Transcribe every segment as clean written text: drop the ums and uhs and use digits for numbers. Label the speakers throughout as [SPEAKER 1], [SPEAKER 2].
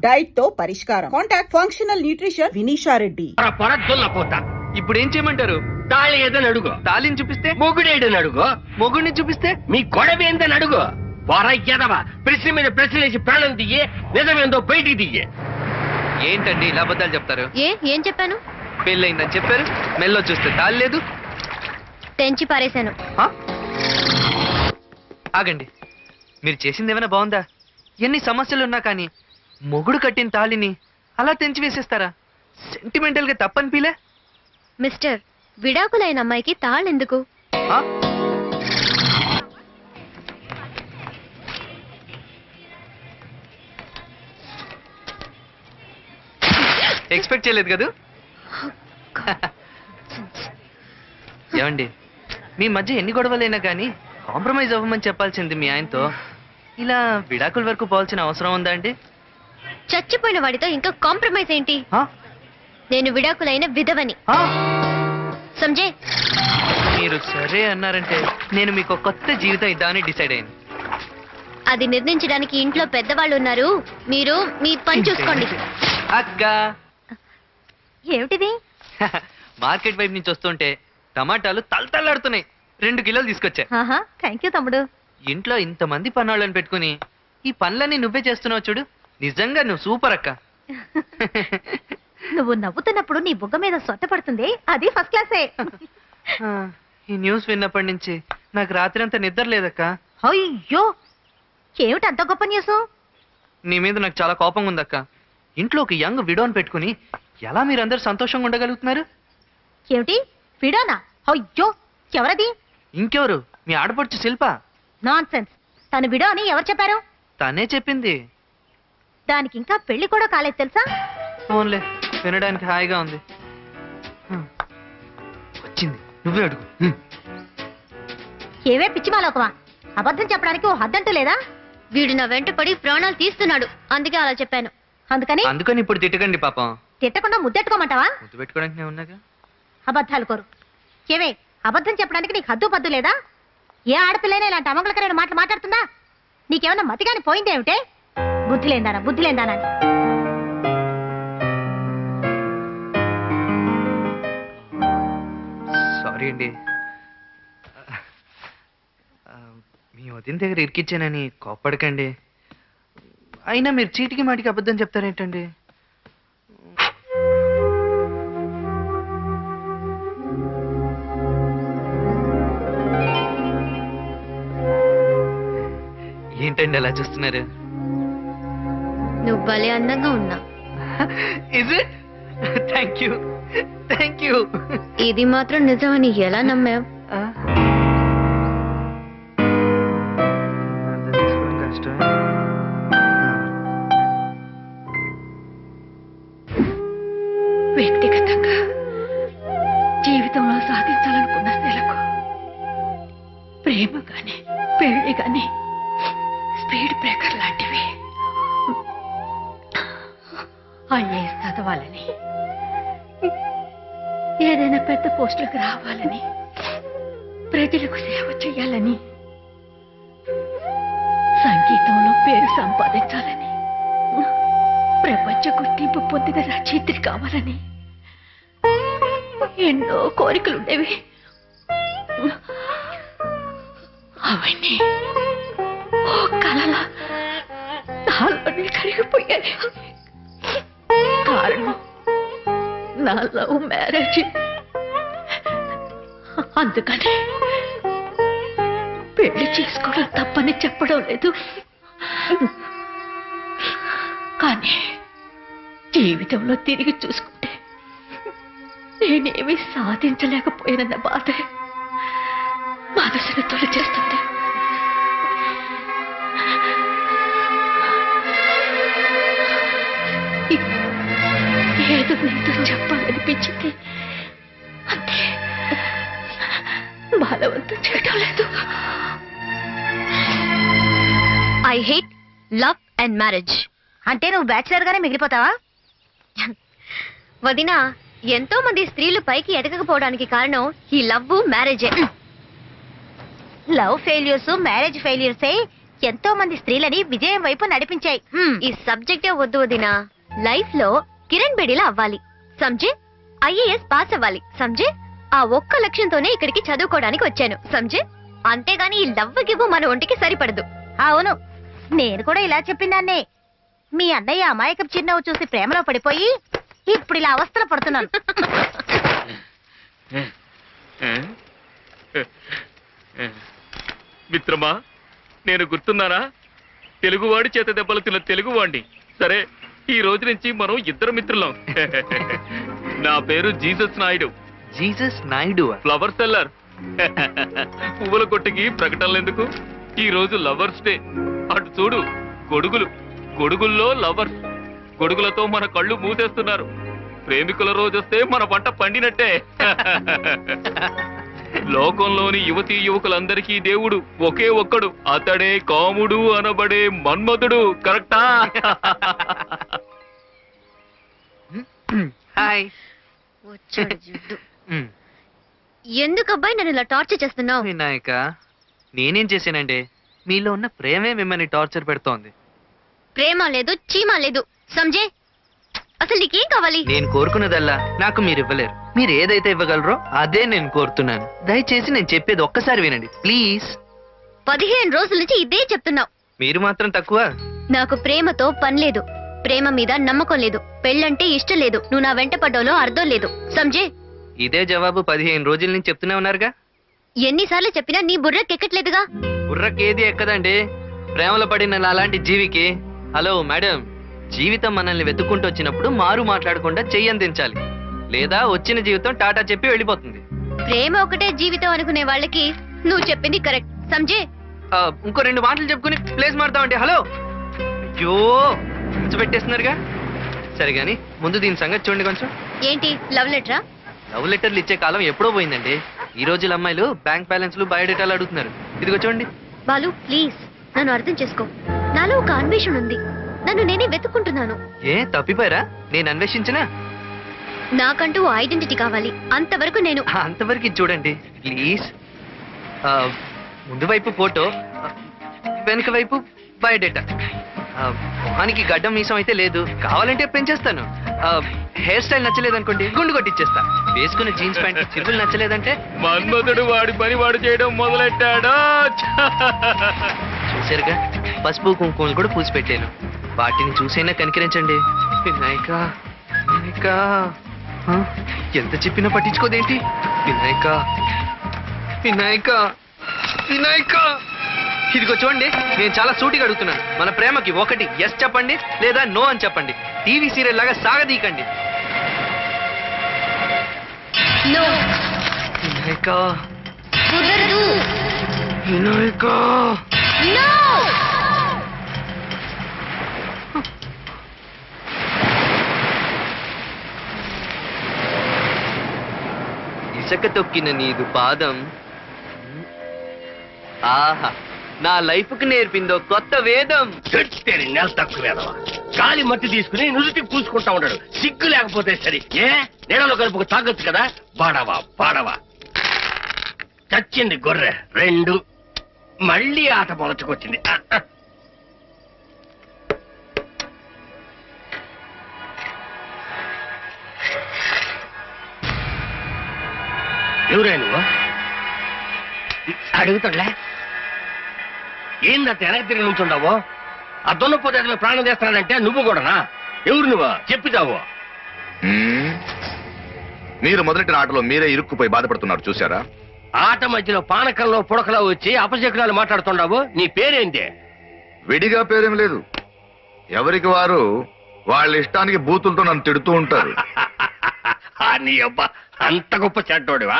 [SPEAKER 1] Diet తో పరిష్కారం. Contact functional nutrition Vinisha Reddy.
[SPEAKER 2] ఇప్పుడు ఏం చేయమంటారు?
[SPEAKER 3] తాళి ఏదని అడుగు.
[SPEAKER 2] తాళిని చూపిస్తే
[SPEAKER 3] మొగుడేడని అడుగు.
[SPEAKER 2] మొగుడిని చూపిస్తే
[SPEAKER 3] మీ గొడవ ఏందని అడుగు. వారయ్యదవా ప్రశ్న మీద ప్రశ్నలేసి ప్రాణం దియ్యే, నిజమేందో బయటికి దియ్యే.
[SPEAKER 2] ఏంటండి ఇలా అబద్ధాలు చెప్తారు?
[SPEAKER 4] ఏం చెప్పాను?
[SPEAKER 2] పెళ్ళయిందని చెప్పారు, మెల్లో చూస్తే తాళి లేదు.
[SPEAKER 4] తెంచి పారేశాను.
[SPEAKER 2] ఆగండి, మీరు చేసింది ఏమైనా బాగుందా? ఎన్ని సమస్యలున్నా కానీ మొగుడు కట్టిన తాళిని అలా తెంచి వేసేస్తారా? సెంటిమెంటల్ గా తప్పనిపిలే.
[SPEAKER 4] మిస్టర్, విడాకులైన అమ్మాయికి తాళెందుకు?
[SPEAKER 2] ఎక్స్పెక్ట్ చేయలేదు కదా. ఏమండి, మీ మధ్య ఎన్ని గొడవలైనా కానీ కాంప్రమైజ్ అవ్వమని చెప్పాల్సింది మీ ఆయనతో. ఇలా విడాకుల వరకు పోవాల్సిన అవసరం ఉందా అండి?
[SPEAKER 4] చచ్చిపోయిన వాడితో ఇంకా కాంప్రమైజ్ ఏంటి? నేను విడాకులైన విధవని. సంజయ్,
[SPEAKER 2] మీరు సరే అన్నారంటే నేను మీకు కొత్త జీవితం ఇద్దామని డిసైడ్ అయింది.
[SPEAKER 4] అది నిర్ణయించడానికి ఇంట్లో పెద్దవాళ్ళు ఉన్నారు. మీరు మీ పని చూసుకోండి.
[SPEAKER 2] అక్క,
[SPEAKER 4] ఏమిటిది?
[SPEAKER 2] మార్కెట్ వైపు నుంచి వస్తుంటే టమాటాలు తలతల్లాడుతున్నాయి. 2 కిలోలు తీసుకొచ్చా.
[SPEAKER 4] థ్యాంక్ యూ తమ్ముడు.
[SPEAKER 2] ఇంట్లో ఇంతమంది పన్నాళ్ళని పెట్టుకుని ఈ పనులన్నీ నువ్వే చేస్తున్నావు చూడు. నిజంగా నువ్వు సూపర్ అక్క.
[SPEAKER 4] నువ్వు నవ్వుతున్నప్పుడు నీ బుగ్గ మీద సొట్ట పడుతుంది, అది ఫస్ట్ క్లాసే.
[SPEAKER 2] ఈ న్యూస్ విన్నప్పటి నుంచి నాకు రాత్రి అంతా నిద్ర లేదక్క.
[SPEAKER 4] అయ్యో, ఏమిటి అంత గొప్ప న్యూస్?
[SPEAKER 2] నీ మీద నాకు చాలా కోపంగా ఉందక్క. ఇంట్లో ఒక యంగ్ విడోని పెట్టుకుని ఎలా మీరందరూ సంతోషంగా ఉండగలుగుతున్నారు?
[SPEAKER 4] ఏమిటి విడోనా? అయ్యో, ఎవరది?
[SPEAKER 2] ఇంకెవరు, మీ ఆడపడుచు శిల్ప.
[SPEAKER 4] Nonsense. తను విడో అని ఎవరు చెప్పారు?
[SPEAKER 2] తనే చెప్పింది.
[SPEAKER 4] దానికి ఇంకా పెళ్లి కూడా కాలేదు తెలుసా?
[SPEAKER 2] ఫోన్లే, వినడానికి హాయిగా ఉంది. వచ్చింది, నువ్వే అడుగు.
[SPEAKER 4] ఏవే పిచ్చిమాలోకమా, అబద్ధం చెప్పడానికి ఓ హద్దంటూ లేదా? వీడు నా వెంట పడి ప్రాణాలు తీస్తున్నాడు, అందుకే అలా చెప్పాను.
[SPEAKER 2] అందుకని ఇప్పుడు తిట్టకండి పాపం.
[SPEAKER 4] తిట్టకుండా ముద్దెట్టుకోమంటావా?
[SPEAKER 2] ముద్దు పెట్టుకోవడానికి నేను ఉన్నాగా.
[SPEAKER 4] అబద్ధాలు కోరు. ఏవే, అబద్ధం చెప్పడానికి నీకు హద్దు పద్దు లేదా? ఏ ఆడపిల్లైనా ఇలాంటి అమంగళకరమైన మాటలు మాట్లాడుతుందా? నీకేమన్నా మతిగాని పోయిందేమిటే? బుద్ధిలేందానా.
[SPEAKER 2] సారీ అండి, మీ వదిన దగ్గర ఇరికిచ్చానని కోప్పడకండి. అయినా మీరు చీటికి మాటికి అబద్ధం చెప్తారేంటండి? ఏంటండి అలా చూస్తున్నారు?
[SPEAKER 4] నువ్వు భలే అందంగా ఉన్నా.
[SPEAKER 2] Thank you.
[SPEAKER 4] ఇది మాత్రం నిజమని ఎలా నమ్మావు? వ్యక్తిగతంగా జీవితంలో సాధించాలనుకున్న నెలకు ప్రేమ గాని పెళ్లి గాని స్పీడ్ బ్రేకర్ లాంటివి. ఐఏఎస్ చదవాలని, ఏదైనా పెద్ద పోస్టులకు రావాలని, ప్రజలకు సేవ చేయాలని, సంగీతంలో పేరు సంపాదించాలని, ప్రపంచ గుర్తింపు పొందిన రచయిత్రి కావాలని ఎన్నో కోరికలుండేవి. అవన్నీ ఓ కలలా నాలోనే కరిగిపోయాయి. కారణం నా లవ్ మ్యారేజ్. అందుకని పెళ్లి చేసుకోవడం తప్పని చెప్పడం లేదు, కానీ జీవితంలో తిరిగి చూసుకుంటే నేనేమీ సాధించలేకపోయానన్న బాధ మనసును తొలిచేస్తుంది. ఏదో నీతో చెప్పాలనిపించింది, అంతే. బలవంతం చేయటం లేదు. I hate love and marriage. అంటే నువ్వు బ్యాచిలర్ గానే మిగిలిపోతావా? వదినా, ఎంతో మంది స్త్రీలు పైకి ఎదగకపోవడానికి కారణం ఈ లవ్ మ్యారేజే. లవ్ ఫెయిల్యూర్స్ మ్యారేజ్ ఫెయిల్యూర్సే ఎంతో మంది స్త్రీలని విజయం వైపు నడిపించాయి.
[SPEAKER 5] ఈ సబ్జెక్టే వద్దు వదినా. లైఫ్ లో కిరణ్ బేడిలా అవ్వాలి సంజే. ఐఏఎస్ పాస్ అవ్వాలి సంజే. ఆ ఒక్క లక్ష్యంతోనే ఇక్కడికి చదువుకోవడానికి వచ్చాను సంజే. అంతేగాని ఈ లవ్ గివ్వు మన ఒంటికి సరిపడదు.
[SPEAKER 4] అవును, నేను కూడా ఇలా చెప్పిందాన్నే. మీ అన్నయ్య అమాయకపు చిరునవ్వు చూసి ప్రేమలో పడిపోయి ఇప్పుడు ఇలా అవస్థలు పడుతున్నాను.
[SPEAKER 3] మిత్రమా, నేను గుర్తున్నానా? తెలుగువాడి చేత దెబ్బలు తిన్న తెలుగువాణ్ణి. సరే, ఈ రోజు నుంచి మనం ఇద్దరు మిత్రులం. నా పేరు Jesus Naidu,
[SPEAKER 2] Jesus Naidu.
[SPEAKER 3] Flower seller. పువ్వుల కొట్టుకి ప్రకటనలు ఎందుకు? ఈ రోజు లవర్స్ డే. అటు చూడు, గొడుగులు, గొడుగుల్లో లవర్స్. గొడుగులతో మన కళ్ళు మూసేస్తున్నారు. ప్రేమికుల రోజొస్తే మన పంట పండినట్టే. లోకంలోని యువతీ యువకులందరికీ దేవుడు ఒకే ఒక్కడు, అతడే కాముడు అనబడే మన్మధుడు. కరెక్టా?
[SPEAKER 2] హాయ్.
[SPEAKER 5] ఎందుకు అబ్బాయి నన్ను ఇలా టార్చర్ చేస్తున్నావు?
[SPEAKER 2] వినాయక, నేనేం చేశానండి? మీలో ఉన్న ప్రేమే మిమ్మల్ని టార్చర్ పెడుతోంది.
[SPEAKER 5] ప్రేమ లేదు, చీమ లేదు సంజే. అసలు నీకేం కావాలి?
[SPEAKER 2] నేను కోరుకున్నదల్లా నాకు మీరు ఇవ్వలేరు. మీరు ఏదైతే ఇవ్వగలరో అదే నేను కోరుతున్నాను. దయచేసి నేను చెప్పేది ఒక్కసారి వినండి ప్లీజ్.
[SPEAKER 5] 15 రోజుల నుంచి ఇదే చెప్తున్నావు.
[SPEAKER 2] మీరు మాత్రం తక్కువ.
[SPEAKER 5] నాకు ప్రేమతో పని లేదు, ప్రేమ మీద నమ్మకం లేదు, పెళ్ళంటే ఇష్టం లేదు, నువ్వు నా వెంట పడ్డాలో అర్థం లేదు సంజే.
[SPEAKER 2] ఇదే జవాబు 15 రోజుల నుంచి చెప్తూనే ఉన్నారుగా.
[SPEAKER 5] ఎన్నిసార్లు చెప్పినా నీ బుర్రకెక్కట్లేదుగా.
[SPEAKER 2] బుర్రకేది ఎక్కదండి ప్రేమలో పడిన అలాంటి జీవికి. హలో మేడం, జీవితం మనల్ని వెతుక్కుంటూ వచ్చినప్పుడు మారు మాట్లాడకుండా చెయ్యందించాలి, లేదా వచ్చిన జీవితం టాటా చెప్పి వెళ్ళిపోతుంది.
[SPEAKER 5] ప్రేమ ఒకటే జీవితం అనుకునే వాళ్ళకి నువ్వు చెప్పింది కరెక్ట్ సంజే.
[SPEAKER 2] ఇంకో 2 మాటలు చెప్పుకుని ప్లేస్ మారుతామండి. హలో, అయ్యో పెట్టేస్తున్నారుగా. సరే గాని ముందు దీని సంగతి చూడండి కొంచెం.
[SPEAKER 5] ఏంటి లవ్ లెటరా?
[SPEAKER 2] లవ్ లెటర్లు ఇచ్చే కాలం ఎప్పుడో పోయిందండి. ఈ రోజుల అమ్మాయిలు బ్యాంక్ బ్యాలెన్స్లు బయోడేటాలు అడుగుతున్నారు. ఇదిగో చూడండి.
[SPEAKER 5] బాలు ప్లీజ్ నన్ను అర్థం చేసుకో. నాలో ఒక అన్వేషణ ఉంది, నన్ను నేనే వెతుక్కుంటున్నాను.
[SPEAKER 2] ఏ తప్పిపోయారా? నేను అన్వేషించినా?
[SPEAKER 5] నాకంటూ ఐడెంటిటీ కావాలి, అంతవరకు నేను.
[SPEAKER 2] అంతవరకు ఇది చూడండి ప్లీజ్. ముందు వైపు ఫోటో, వెనుక వైపు బయోడేటా. మొహానికి గడ్డం మీసం అయితే లేదు, కావాలంటే పెంచేస్తాను. హెయిర్ స్టైల్ నచ్చలేదనుకోండి గుండు కొట్టిచ్చేస్తా. వేసుకున్న జీన్స్ ప్యాంట్ చిరువులు నచ్చలేదంటే
[SPEAKER 3] మన్మధుడు వాడి పని వాడు చేయడం మొదలెట్టాడు.
[SPEAKER 2] చూసారుగా, పసుపు కుంకుమలు కూడా పూసి పెట్టాను. వాటిని చూసైనా కనికరించండి. వినాయక, వినాయక, ఎంత చెప్పినా పట్టించుకోదేంటి? వినాయక, వినాయక, వినాయక. ఇదిగో చూడండి, నేను చాలా సూటిగా అడుగుతున్నాను. మన ప్రేమకి ఒకటి ఎస్ చెప్పండి, లేదా నో అని చెప్పండి. టీవీ సీరియల్ లాగా సాగదీకండి.
[SPEAKER 5] నో
[SPEAKER 2] వినాయక,
[SPEAKER 5] కుదరదు.
[SPEAKER 2] వినాయక.
[SPEAKER 5] నో
[SPEAKER 2] ఇసక తొక్కిన నీదు పాదం ఆహా నా లైఫ్ కు నేర్పిందో కొత్త వేదం.
[SPEAKER 3] నెల తక్కువ గాలి మట్టి తీసుకుని నుదుటి పూసుకుంటా ఉన్నాడు. సిగ్గు లేకపోతే సరి. ఏ నీడలో కలుపుకు తాగొచ్చు కదా. బాడవా బాడవా. చచ్చింది గొర్రె 2. మళ్ళీ ఆట మొలచుకొచ్చింది. ఎవరే నువ్వు? అడుగుతాడులే. ఏందంత వెనక్కి తిరిగి నుంచుండవు? ఆ దున్నపోతే అతను ప్రాణం చేస్తానంటే నువ్వు కూడానా? ఎవరు నువ్వు? చెప్పితావు.
[SPEAKER 6] మీరు మొదలెట్టిన ఆటలో మీరే ఇరుక్కుపోయి బాధపడుతున్నారు చూసారా?
[SPEAKER 3] ఆట మధ్యలో పానకంలో పుడకలో వచ్చి అపశకునాలు మాట్లాడుతుండవు. నీ పేరేంటి?
[SPEAKER 6] విడిగా పేరేం లేదు. ఎవరికి వారు వాళ్ళ ఇష్టానికి బూతులతో నన్ను తిడుతూ ఉంటారు.
[SPEAKER 3] నీ అబ్బా అంత గొప్ప చెడ్డోడివా?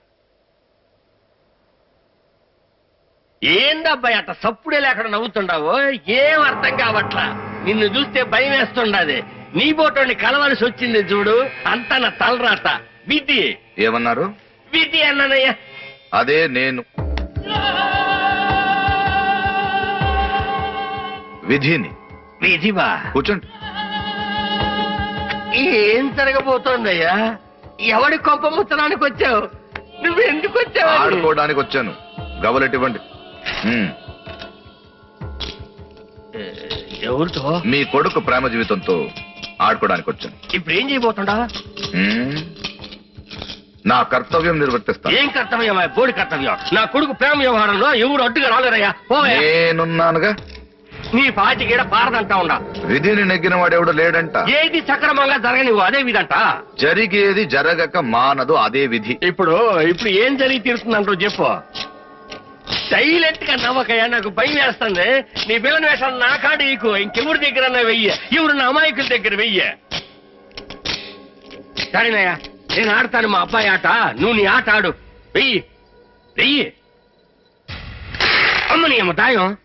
[SPEAKER 3] ఏందబ్బాయి అట్ట సప్పుడే లేకుండా నవ్వుతుండవు? ఏం అర్థం కావట్లా. నిన్ను చూస్తే భయం వేస్తుండది. నీ బోటోని కలవలసి వచ్చింది చూడు, అంతా నా తలరాత. విధి.
[SPEAKER 6] ఏమన్నారు?
[SPEAKER 3] విధి అన్నానయ్యా.
[SPEAKER 6] అదే నేను విధిని.
[SPEAKER 3] విధివా?
[SPEAKER 6] కూర్చోండి.
[SPEAKER 3] ఏం జరగబోతోందయ్యా? ఎవడి కొంప ముత్తడానికి వచ్చావు? నువ్వు ఎందుకు వచ్చావు?
[SPEAKER 6] ఆడుకోవడానికి వచ్చాను. గవలెట్టివ్వండి.
[SPEAKER 3] ఎవరితో?
[SPEAKER 6] మీ కొడుకు ప్రేమ జీవితంతో ఆడుకోవడానికి వచ్చాను.
[SPEAKER 3] ఇప్పుడు ఏం చేయబోతుండా?
[SPEAKER 6] హ్మ్? నా కర్తవ్యం నిర్వర్తిస్తాను.
[SPEAKER 3] ఏం కర్తవ్యం? బోడి కర్తవ్యం. నా కొడుకు ప్రేమ వ్యవహారంలో ఎవరు అడ్డుగా రాలేరయ్యా. పోవయ్యా.
[SPEAKER 6] నేనున్నానుగా.
[SPEAKER 3] నీ పాచికేడ పారదంటా ఉండా.
[SPEAKER 6] విధిని నెగ్గిన వాడెవడు లేడంట.
[SPEAKER 3] ఏది సక్రమంగా జరగనివ్వు అదే విధంట.
[SPEAKER 6] జరిగేది జరగక మానదు అదే విధి.
[SPEAKER 3] ఇప్పుడు ఏం జరిగి తీరుతుందంటూ చెప్పు. సైలెంట్ గా నవ్వకయ్యా, నాకు భయం వేస్తుంది. నీ పిల్లని వేషాలు నా కాడు నీకు ఇంకెవరి దగ్గర వెయ్యి, ఎవరు నా అమాయకుల దగ్గర వెయ్యి. సరేనయ్యా, నేను ఆడతాను మా అబ్బాయి ఆట, నువ్వు నీ ఆట ఆడు. వెయ్యి వెయ్యి. అమ్మ నీ అమ్మ దాయం.